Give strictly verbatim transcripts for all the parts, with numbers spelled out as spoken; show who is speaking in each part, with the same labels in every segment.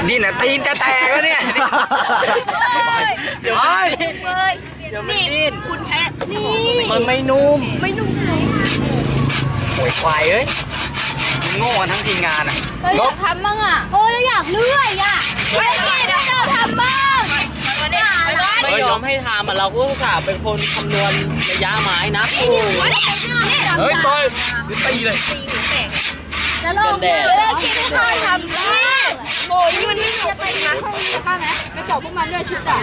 Speaker 1: นี่นะตีนจะแตกแล้วเนี่ยเดี๋ยวไอ้
Speaker 2: นี่คุณแช่นี่
Speaker 1: มันไม่นุ่ม
Speaker 2: ไม่นุ่มไหน
Speaker 1: โวยควายเอ้ยโง่กันทั้งทีมงานอ่ะ
Speaker 2: เราอยากทำบ้างอ่ะโอ้เราอยากเลื่อยอ่ะไม่เก่งเราทำบ้าง
Speaker 3: ไม่ยอมให้ทำอ่ะเราก็อุตส่าห์เป็นคนคำนวณระยะไม้นะโอ้
Speaker 1: เฮ้ยบอยตีเลย
Speaker 2: จะลงเลยกินข้าวทำบ้างโอ้ยมันไม่จบไปนะห้องนี้ข้าไหมไม่จบพวกมันด้วยชุดอ่ะ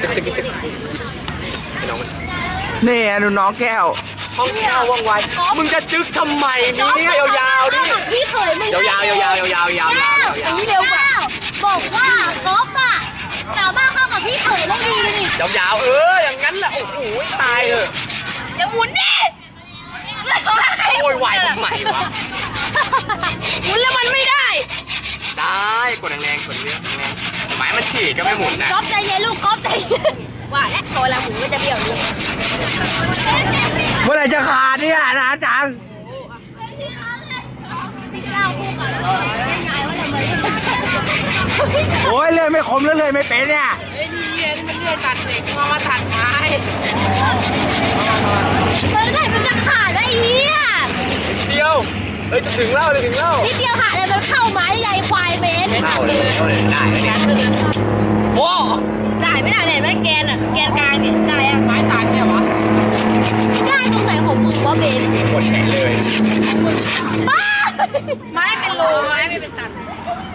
Speaker 1: นี่ดูน้องแก้วห้องแก้วว่องไวมึงจะจึ๊กทำไมมีเนี่ยยาวๆดิ
Speaker 2: พี่เคยมึง
Speaker 1: ยาวๆยาวๆยาวๆยาวๆยาวๆ
Speaker 2: อย่างนี้เร็วกว่าบอกว่ากอล์ฟอ่ะสาวบ้าเข้ากับพี่เคยต้องดีนี่
Speaker 1: ยาวๆเอออย่างนั้นแหละโอ้โหตายเลย
Speaker 2: อย่าหมุนดิ
Speaker 1: โวยวายทำไมวะ
Speaker 2: หมุนแล้วมันไม่ได้
Speaker 1: ได้กดแรงๆกดเยอะแรงๆไม้มันฉีกก็ไม่หมุนนะ
Speaker 2: กอล์ฟใจเย็นลูกกอล์ฟใจเย็นว่าแล้วพอเราหมุนก็จะเบี้ยวเลย
Speaker 1: เมื่อไหร่จะขาดเนี่ยนะจัง
Speaker 2: พี่เจ้าคู่กับโลกยายว่าทำไม
Speaker 1: โอ้ยเลยไม่คมแล้วเลยไม่เป็นเนี่ย
Speaker 3: เฮ้ยนี่เย็นมันเลื่อยตัดเหล็กมามาตัดไม้
Speaker 2: เมื่อไหร่มันจะขาดได้เฮีย
Speaker 1: เดียวเฮ้ยถึงแล้วเลยถึงแล้ว
Speaker 2: นิดเดียวขาดเลยมันเข้าไม้ใหญ่ควายเบน
Speaker 1: เข้าเลยเข้าเลยได้เนี่ยโอ้
Speaker 2: ได้ไม่ได้เนี่ยไม่แกนอ่ะแกนกลางเนี่ยได้อ่ะ
Speaker 3: ไม้ตัดเนี่ยวะ
Speaker 2: ได้ตรงไหนของมึงวะเบน
Speaker 1: กดแขนเลย
Speaker 2: บ้าไม้เป็นโลไม้ไม่เป็นตัน